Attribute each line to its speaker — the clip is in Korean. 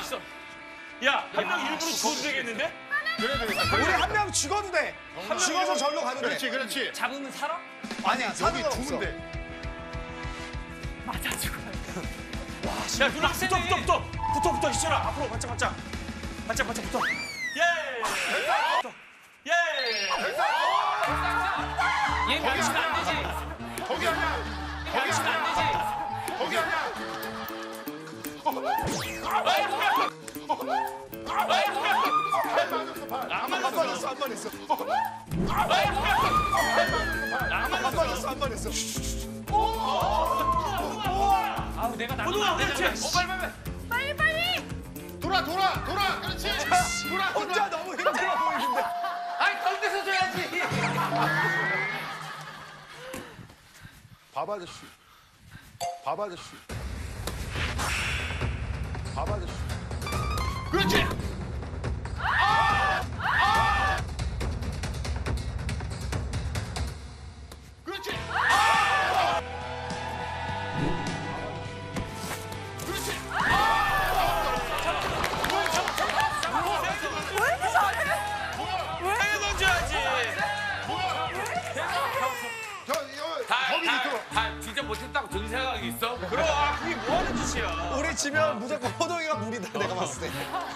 Speaker 1: 있어. 야, 한 명 일부러 죽어도 되겠는데?
Speaker 2: 우리 한 명 죽어도 돼. 죽어서 절로 가도 돼.
Speaker 3: 그렇지, 그렇지.
Speaker 1: 잡으면 살아?
Speaker 2: 아니야, 사는
Speaker 3: 여기
Speaker 2: 건 없어.
Speaker 3: 죽은데.
Speaker 4: 맞아 죽어요.
Speaker 1: 야, 누나 붙어, 희철아. 앞으로 바짝 붙어. 예! 예! 얘 멸치면 안 되지.
Speaker 3: 거기 아니야.
Speaker 1: 멸치면 안 되지.
Speaker 3: 거기 아니야.
Speaker 2: 안 맞았어, 한 번 했어. 한 번 했어.
Speaker 1: 아우, 내가 나가면 안 되잖아.
Speaker 4: 빨리.
Speaker 3: 돌아. 그렇지. 돌아.
Speaker 2: 혼자 너무 힘들어 보이는데.
Speaker 1: 아이, 건데서 줘야지.
Speaker 3: 밥 아저씨. 그렇지. 그렇지. 그렇지.
Speaker 4: 왜 이렇게 잘해?
Speaker 1: 해야 던져야지.
Speaker 3: 거기 밑으로.
Speaker 5: 다 진짜 못했다고 전 생각이 있어?
Speaker 1: 그럼, 그게 뭐 하는 짓이야.
Speaker 2: 우리 지면 무조건 호동이가 무리다, 내가 봤을 때.